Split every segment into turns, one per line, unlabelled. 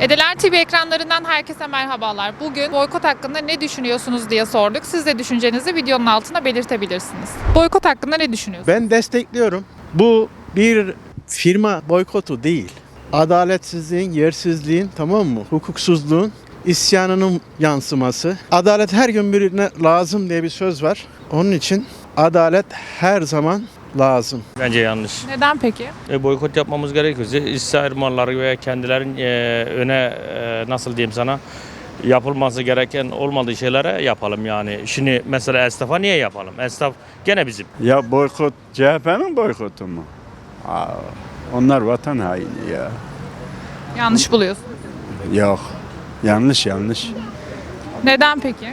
Edeler TV ekranlarından herkese merhabalar. Bugün boykot hakkında ne düşünüyorsunuz diye sorduk. Siz de düşüncenizi videonun altına belirtebilirsiniz. Boykot hakkında ne düşünüyorsunuz?
Ben destekliyorum. Bu bir firma boykotu değil. Adaletsizliğin, yersizliğin, tamam mı? Hukuksuzluğun, isyanının yansıması. Adalet her gün birine lazım diye bir söz var. Onun için adalet her zaman lazım.
Bence yanlış.
Neden peki?
Boykot yapmamız gerekiyorsa İsrail malları veya kendilerin öne nasıl diyeyim sana yapılması gereken olmadığı şeylere yapalım yani. Şimdi mesela esnafa niye yapalım? Esnaf gene bizim.
Ya boykot CHP'nin boykotu mu? Onlar vatan haini ya.
Yanlış buluyorsunuz.
Yok. Yanlış.
Neden peki?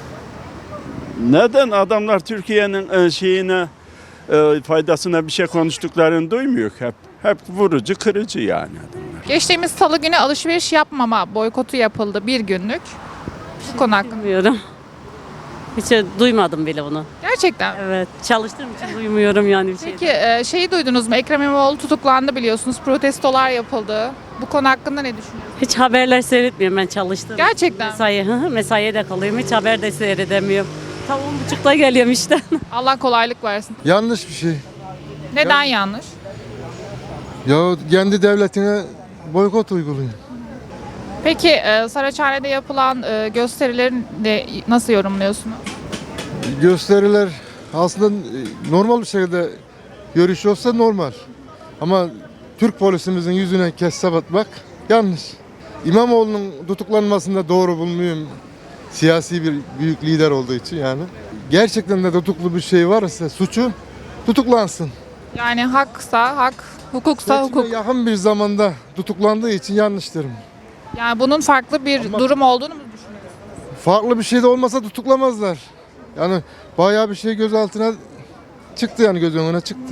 Neden adamlar Türkiye'nin faydasına bir şey konuştuklarını duymuyor hep. Hep vurucu, kırıcı yani adamlar.
Geçtiğimiz salı günü alışveriş yapmama boykotu yapıldı bir günlük. Bu konu hakkında.
Bilmiyorum. Hiç duymadım bile bunu.
Gerçekten.
Evet. Çalıştığım için duymuyorum yani bir şey.
Peki şeyi duydunuz mu? Ekrem İmamoğlu tutuklandı biliyorsunuz. Protestolar yapıldı. Bu konu hakkında ne düşünüyorsunuz?
Hiç haberler seyretmiyorum, ben çalıştım.
Gerçekten.
Mesaiye de kalıyorum. Hiç haber de seyredemiyorum. Tam 10.30'da geliyorum işte.
Allah kolaylık versin.
Yanlış bir şey.
Neden yanlış?
Ya kendi devletine boykot uyguluyor.
Peki Saraçhane'de yapılan gösterileri de nasıl yorumluyorsunuz?
Gösteriler aslında normal bir şekilde görüş olsa normal. Ama Türk polisimizin yüzüne kessap atmak yanlış. İmamoğlu'nun tutuklanmasında doğru bulmuyorum. Siyasi bir büyük lider olduğu için yani. Gerçekten de tutuklu bir şey varsa suçu tutuklansın.
Yani haksa hak, hukuksa
Seçime
hukuk.
yakın bir zamanda tutuklandığı için yanlış derim.
Yani bunun farklı bir durum olduğunu mu düşünüyorsunuz?
Farklı bir şey de olmasa tutuklamazlar. Yani bayağı bir şey gözaltına çıktı, yani göz önüne çıktı.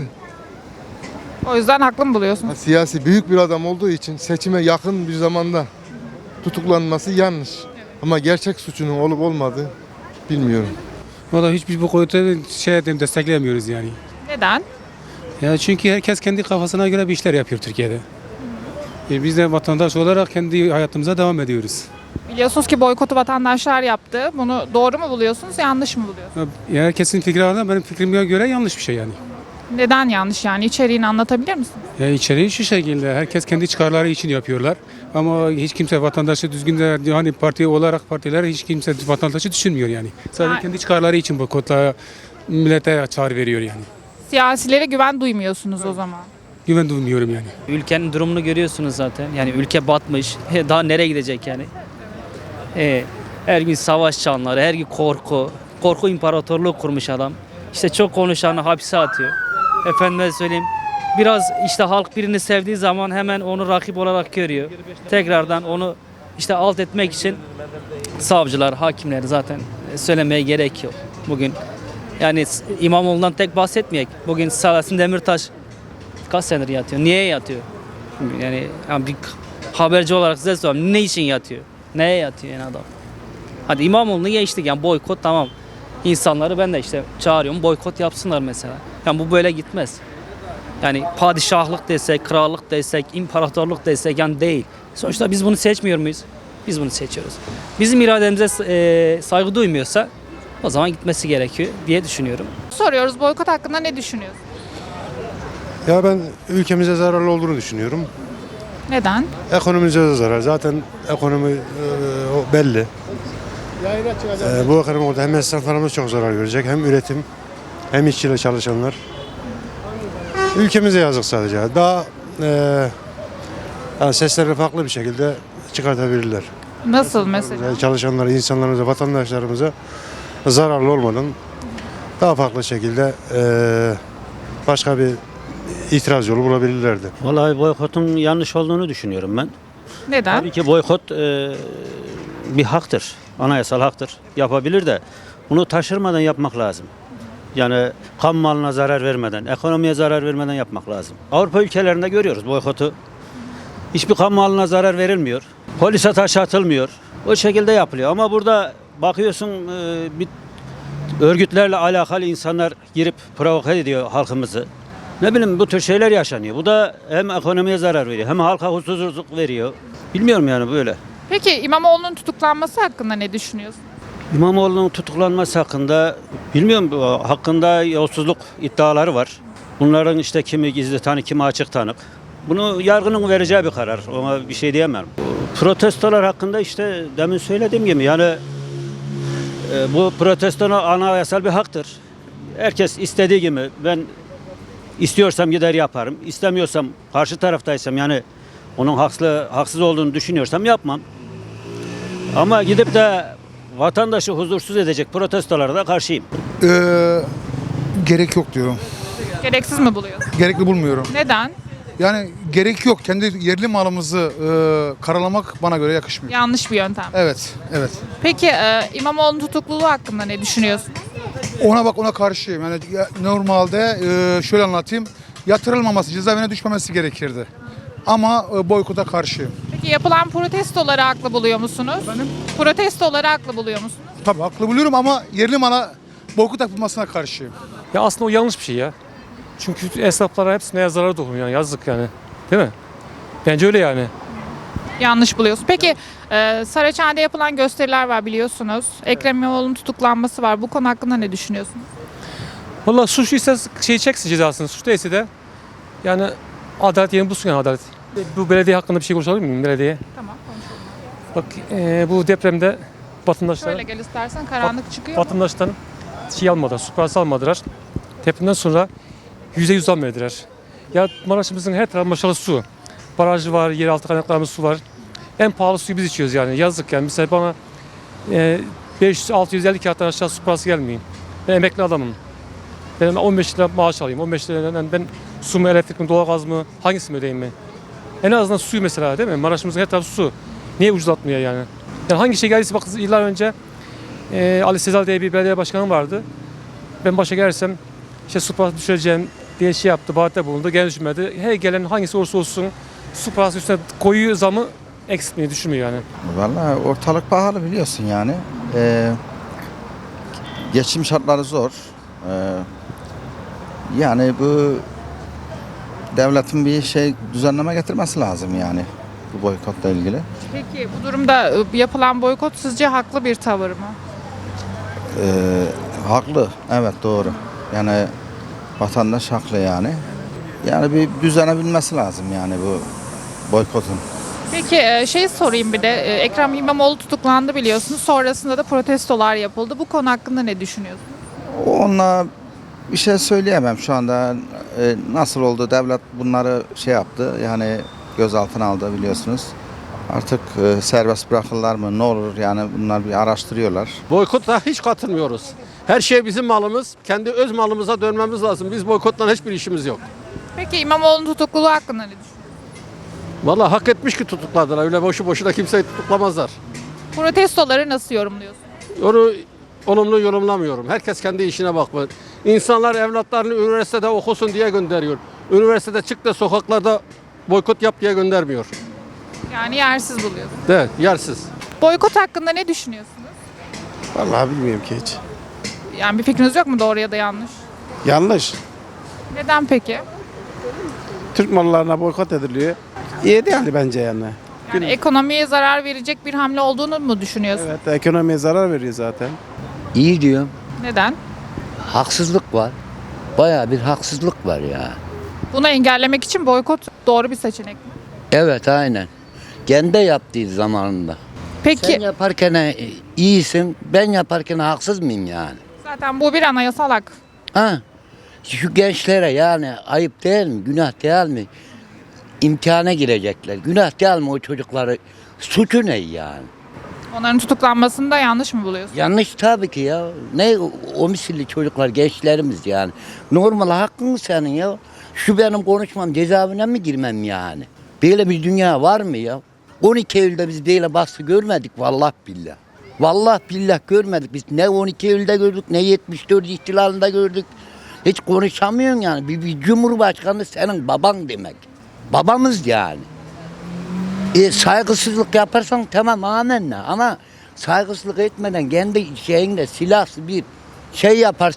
O yüzden haklı mı buluyorsunuz?
Siyasi büyük bir adam olduğu için seçime yakın bir zamanda tutuklanması yanlış. Ama gerçek suçunun olup olmadığı bilmiyorum.
Valla hiçbir bu konuda desteklemiyoruz yani.
Neden?
Ya çünkü herkes kendi kafasına göre bir işler yapıyor Türkiye'de. Biz de vatandaş olarak kendi hayatımıza devam ediyoruz.
Biliyorsunuz ki boykotu vatandaşlar yaptı. Bunu doğru mu buluyorsunuz, yanlış mı buluyorsunuz?
Ya herkesin fikri var da benim fikrime göre yanlış bir şey yani.
Neden yanlış yani? İçeriğini anlatabilir misiniz?
Ya içeriği şu şekilde herkes kendi çıkarları için yapıyorlar. Ama hiç kimse vatandaşı düzgün de hani parti olarak partiler hiç kimse vatandaşı düşünmüyor yani. Sadece kendi çıkarları için boykotla millete çağrı veriyor yani.
Siyasilere güven duymuyorsunuz o zaman.
Güven duymuyorum yani.
Ülkenin durumunu görüyorsunuz zaten. Yani ülke batmış. Daha nereye gidecek yani? Her gün savaş çanları, her gün korku. Korku imparatorluğu kurmuş adam. İşte çok konuşanı hapse atıyor. Efendime söyleyeyim. Biraz işte halk birini sevdiği zaman hemen onu rakip olarak görüyor. Tekrardan onu işte alt etmek için savcılar, hakimler zaten söylemeye gerek yok. Bugün yani İmamoğlu'ndan tek bahsetmeyek. Bugün Selahattin Demirtaş kaç senedir yatıyor? Niye yatıyor? Yani bir haberci olarak size soruyorum. Ne için yatıyor? Neye yatıyor yani adam? Hadi İmamoğlu'nu geçtik yani boykot tamam. İnsanları ben de işte çağırıyorum boykot yapsınlar mesela. Yani bu böyle gitmez. Yani padişahlık desek, krallık desek, imparatorluk desek yani değil. Sonuçta biz bunu seçmiyor muyuz? Biz bunu seçiyoruz. Bizim irademize saygı duymuyorsa o zaman gitmesi gerekiyor diye düşünüyorum.
Soruyoruz, boykot hakkında ne düşünüyorsunuz?
Ya ben ülkemize zararlı olduğunu düşünüyorum.
Neden?
Ekonomimize de zarar. Zaten ekonomi o belli. Bu ekonomide hem esnaflarımız çok zarar görecek, hem üretim, hem işçiyle çalışanlar. Ülkemize yazık sadece. Daha yani seslerini farklı bir şekilde çıkartabilirler.
Nasıl mesela?
Çalışanlara, insanlarımıza, vatandaşlarımıza zararlı olmadan daha farklı şekilde başka bir itiraz yolu bulabilirlerdi.
Vallahi boykotun yanlış olduğunu düşünüyorum ben.
Neden?
Tabii ki boykot bir haktır. Anayasal haktır. Yapabilir de bunu taşırmadan yapmak lazım. Yani kamu malına zarar vermeden, ekonomiye zarar vermeden yapmak lazım. Avrupa ülkelerinde görüyoruz boykotu. Hiçbir kamu malına zarar verilmiyor. Polise taş atılmıyor. O şekilde yapılıyor. Ama burada bakıyorsun bir örgütlerle alakalı insanlar girip provoke ediyor halkımızı. Ne bileyim bu tür şeyler yaşanıyor. Bu da hem ekonomiye zarar veriyor hem halka huzursuzluk veriyor. Bilmiyorum yani böyle.
Peki İmamoğlu'nun tutuklanması hakkında ne düşünüyorsunuz?
İmamoğlu'nun tutuklanması hakkında bilmiyorum hakkında yolsuzluk iddiaları var. Bunların işte kimi gizli tanık, kimi açık tanık. Bunu yargının vereceği bir karar. Ona bir şey diyemem. Protestolar hakkında işte demin söylediğim gibi yani bu protesto anayasal bir haktır. Herkes istediği gibi ben istiyorsam gider yaparım. İstemiyorsam karşı taraftaysam yani onun haksız olduğunu düşünüyorsam yapmam. Ama gidip de vatandaşı huzursuz edecek protestolara da karşıyım.
Gerek yok diyorum.
Gereksiz mi buluyorsunuz?
Gerekli bulmuyorum.
Neden?
Yani gerek yok. Kendi yerli malımızı karalamak bana göre yakışmıyor.
Yanlış bir yöntem.
Evet, evet.
Peki İmamoğlu'nun tutukluluğu hakkında ne düşünüyorsunuz?
Ona karşıyım. Yani normalde şöyle anlatayım. Yatırılmaması, cezaevine düşmemesi gerekirdi. Ama boykota karşıyım.
Peki yapılan protestoları haklı buluyor musunuz?
Efendim?
Protestoları haklı buluyor musunuz?
Tabii haklı buluyorum ama yerli mala boykot yapılmasına karşıyım.
Ya aslında o yanlış bir şey ya. Çünkü esnaflara hepsine zarar dokunuyor yani yazık yani. Değil mi? Bence öyle yani.
Yanlış buluyorsun. Peki Saraçhane'de yapılan gösteriler var biliyorsunuz. Ekrem İmamoğlu'nun tutuklanması var. Bu konu hakkında ne düşünüyorsunuz?
Vallahi suçlu ise çeksin cezasını. Suç değilse de yani adalet yerini bulsun yani adalet. Bu belediye hakkında bir şey konuşalım mı belediye?
Tamam konuşalım.
Bak bu depremde vatandaşlar
Şöyle gel istersen karanlık çıkıyor mu?
vatandaştan şey almadılar, suprası almadılar. Depremden sonra %100 zam verdiler. Ya Maraş'ımızın her tarafı maşallah su. Barajı var, yeraltı kaynaklarımız su var. En pahalı suyu biz içiyoruz yani. Yazık yani. Mesela bana 500-650 kağıttan aşağı su parası gelmiyor. Ben emekli adamım. Ben 15 lira maaş alayım. 15 liradan ben su mu, elektrik mi, doğalgaz mı hangisini ödeyeyim mi? En azından suyu mesela değil mi? Maraş'ımızın her tarafı su. Niye ucuzlatmıyor yani? Yani hangi şey geldiyse bak yıllar önce Ali Sezal diye bir belediye başkanı vardı. Ben başa gelirsem işte su parası düşüreceğim diye şey yaptı, vaatte bulundu. Gene düşmedi. Her gelen hangisi olursa olsun su parası üstüne koyuyor zamı eksiltmeyi düşünmüyor yani.
Vallahi ortalık pahalı biliyorsun yani. Geçim şartları zor. Yani bu devletin bir düzenleme getirmesi lazım yani bu boykotla ilgili.
Peki bu durumda yapılan boykot sizce haklı bir tavır mı?
Haklı, evet doğru. Yani vatandaş haklı yani. Yani bir düzene binmesi lazım yani bu boykotun.
Peki şey sorayım bir de. Ekrem İmamoğlu tutuklandı biliyorsunuz. Sonrasında da protestolar yapıldı. Bu konu hakkında ne düşünüyorsunuz?
Onunla bir şey söyleyemem şu anda. Nasıl oldu devlet bunları şey yaptı yani gözaltına aldı biliyorsunuz. Artık serbest bırakırlar mı ne olur yani bunlar bir araştırıyorlar.
Boykota hiç katılmıyoruz. Her şey bizim malımız. Kendi öz malımıza dönmemiz lazım. Biz boykotla hiçbir işimiz yok.
Peki İmamoğlu'nun tutukluluğu hakkında ne düşünüyorsunuz?
Vallahi hak etmiş ki tutukladılar. Öyle boşu boşuna kimseyi tutuklamazlar.
Protestoları nasıl yorumluyorsunuz?
Onu olumlu yorumlamıyorum. Herkes kendi işine bakmalı. İnsanlar evlatlarını üniversitede okusun diye gönderiyor. Üniversitede çık da sokaklarda boykot yap diye göndermiyor.
Yani yersiz buluyorsunuz.
Evet, yersiz.
Boykot hakkında ne düşünüyorsunuz?
Vallahi bilmiyorum ki hiç.
Yani bir fikriniz yok mu doğru ya da yanlış?
Yanlış.
Neden peki?
Türk mallarına boykot ediliyor. İyi değil bence yani.
Yani ekonomiye zarar verecek bir hamle olduğunu mu düşünüyorsunuz?
Evet, ekonomiye zarar veriyor zaten.
İyi diyorum.
Neden?
Haksızlık var. Bayağı bir haksızlık var ya.
Bunu engellemek için boykot doğru bir seçenek mi?
Evet aynen. Kendi yaptığı zamanında.
Peki
Sen yaparken iyisin, ben yaparken haksız mıyım yani?
zaten bu bir anayasal hak.
Ha? Şu gençlere yani ayıp değil mi, günah değil mi? İmtihana girecekler. Günah değil mi o çocukları? Suçu ne yani?
Onların tutuklanmasını da yanlış mı buluyorsunuz?
Yanlış tabii ki ya. Ne o misilli çocuklar, gençlerimiz yani. Normal hakkın mı senin ya? Şu benim konuşmam cezaevine mi girmem yani? Böyle bir dünya var mı ya? 12 Eylül'de biz böyle baskı görmedik vallahi billah. Vallahi billah görmedik biz. Ne 12 Eylül'de gördük ne 74 ihtilalinde gördük. Hiç konuşamıyorsun yani. Bir cumhurbaşkanı senin baban demek. Babamız yani. Saygısızlık yaparsan tamam amenna ama saygısızlık etmeden kendi şeyinde silahsı bir şey yaparsan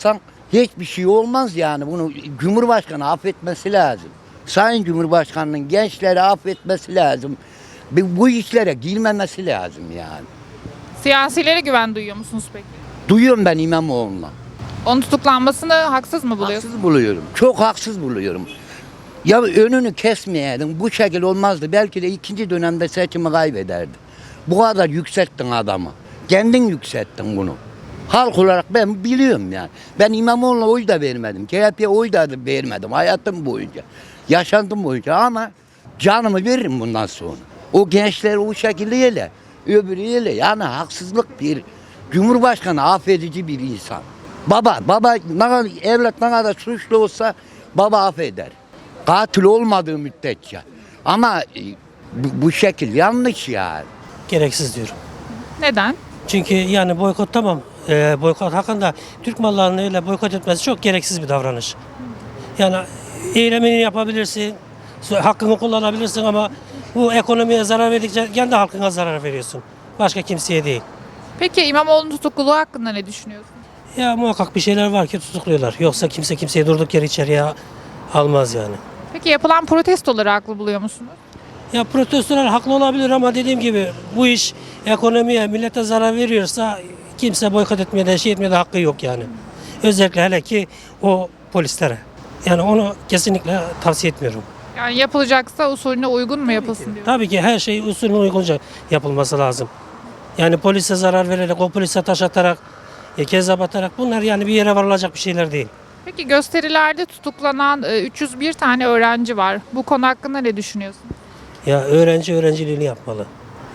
hiçbir şey olmaz yani. Bunu Cumhurbaşkanı affetmesi lazım. Sayın Cumhurbaşkanı'nın gençleri affetmesi lazım. Bu işlere girmemesi lazım yani.
Siyasilere güven duyuyor musunuz peki?
Duyuyorum ben İmamoğlu'na.
Onun tutuklanmasını haksız mı buluyorsunuz?
Haksız buluyorum. Çok haksız buluyorum. Ya önünü kesmeyeydin bu şekil olmazdı. Belki de ikinci dönemde seçimi kaybederdi. Bu kadar yükselttin adamı. Kendin yükselttin bunu. Halk olarak ben biliyorum yani. Ben İmamoğlu'na oy da vermedim. CHP'ye oy da vermedim hayatım boyunca. Yaşantım boyunca ama canımı veririm bundan sonra. O gençler o şekilde yele. Öbürü yele. Yani haksızlık bir Cumhurbaşkanı affedici bir insan. Baba ne kadar, evlat ne kadar suçlu olsa baba affeder. Katil olmadığı müddetçe. Ama bu şekil yanlış yani.
Gereksiz diyorum.
Neden?
Çünkü yani boykot tamam. Boykot hakkında Türk mallarını öyle boykot etmesi çok gereksiz bir davranış. Yani eylemini yapabilirsin, hakkını kullanabilirsin ama bu ekonomiye zarar verdikçe kendi halkına zarar veriyorsun. Başka kimseye değil.
Peki İmamoğlu'nun tutukluluğu hakkında ne düşünüyorsunuz?
Ya muhakkak bir şeyler var ki tutukluyorlar. Yoksa kimse kimseyi durduk yere içeriye almaz yani.
Peki yapılan protestoları haklı buluyor musunuz?
Ya protestolar haklı olabilir ama dediğim gibi bu iş ekonomiye, millete zarar veriyorsa kimse boykot etmeye de etmeye de hakkı yok yani. Özellikle hele ki o polislere. Yani onu kesinlikle tavsiye etmiyorum.
Yani yapılacaksa usulüne uygun mu yapılsın diyor.
Tabii ki her şey usulüne uygunca yapılması lazım. Yani polise zarar vererek, o polise taş atarak, kezzap atarak bunlar yani bir yere varılacak bir şeyler değil.
Peki gösterilerde tutuklanan 301 tane öğrenci var. Bu konu hakkında ne düşünüyorsun?
Ya öğrenci öğrenciliğini yapmalı.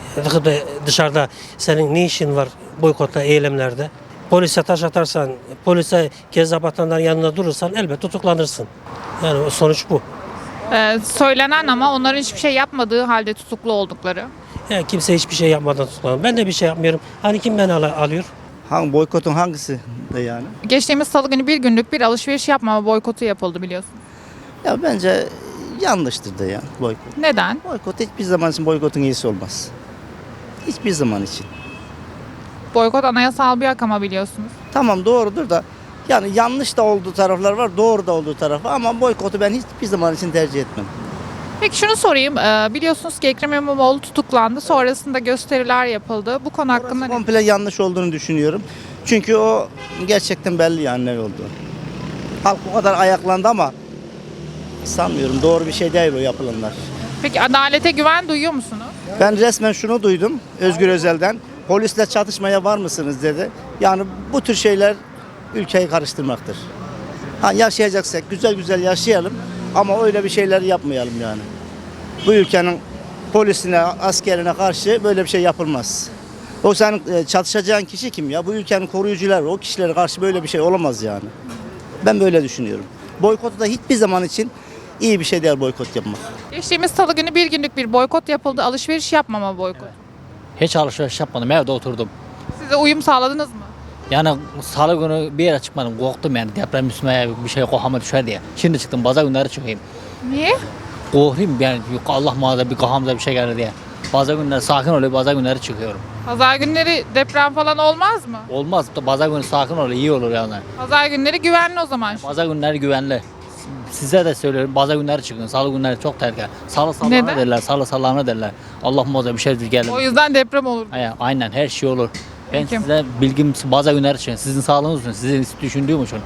Dışarıda senin ne işin var boykotta, eylemlerde? Polise taş atarsan, polise kezzap atanların yanında durursan elbet tutuklanırsın. Yani sonuç bu.
Söylenen ama onların hiçbir şey yapmadığı halde tutuklu oldukları.
Yani kimse hiçbir şey yapmadan tutuklanır. Ben de bir şey yapmıyorum. Hani kim beni alıyor?
Hangi boykotun hangisi de yani?
Geçtiğimiz salı günü bir günlük bir alışveriş yapmama boykotu yapıldı biliyorsun.
Ya bence yanlıştır da ya boykot.
Neden?
Boykot hiçbir zaman için boykotun iyisi olmaz. Hiçbir zaman için.
Boykot anayasal bir hak ama biliyorsunuz.
Tamam doğrudur da yani yanlış da olduğu taraflar var, doğru da olduğu tarafı ama boykotu ben hiçbir zaman için tercih etmem.
Peki şunu sorayım. Biliyorsunuz ki Ekrem İmamoğlu tutuklandı. Sonrasında gösteriler yapıldı. Bu konu hakkında ne?
Komple yanlış olduğunu düşünüyorum. Çünkü o gerçekten belli yani ne oldu. Halk bu kadar ayaklandı ama sanmıyorum doğru bir şey değil o yapılanlar.
Peki adalete güven duyuyor musunuz?
Ben resmen şunu duydum Özgür Özel'den. Polisle çatışmaya var mısınız dedi. Yani bu tür şeyler ülkeyi karıştırmaktır. Ha, yaşayacaksak güzel güzel yaşayalım ama öyle bir şeyler yapmayalım yani. Bu ülkenin polisine, askerine karşı böyle bir şey yapılmaz. O senin çatışacağın kişi kim ya? Bu ülkenin koruyucuları, o kişilere karşı böyle bir şey olamaz yani. Ben böyle düşünüyorum. Boykotu da hiçbir zaman için iyi bir şey değil boykot yapmak.
Geçtiğimiz salı günü bir günlük bir boykot yapıldı. Alışveriş yapmama boykot.
Hiç alışveriş yapmadım, evde oturdum.
Size uyum sağladınız mı?
Yani salı günü bir yere çıkmadım, korktum yani deprem üstüme bir şey kafama düşer diye. Şimdi çıktım, pazar günleri çıkayım.
Niye?
Korkayım yani Allah muhafaza bir kafamıza bir şey gelir diye. Pazar günleri sakin oluyor, pazar günleri çıkıyorum.
Pazar günleri deprem falan olmaz mı?
Olmaz, pazar günü sakin oluyor, iyi olur yani.
Pazar günleri güvenli o zaman.
Pazar günleri güvenli. Size de söylüyorum, pazar günleri çıkın, salı günleri çok tehlikeli. Salı
Neden?
sallanı derler, salı sallanı derler. Allah muhafaza bir şey gelir.
O yüzden deprem olur.
Aynen her şey olur. Ben
Peki.
size bilgim pazar günleri için, sizin sağlığınız için, sizin düşündüğüm için.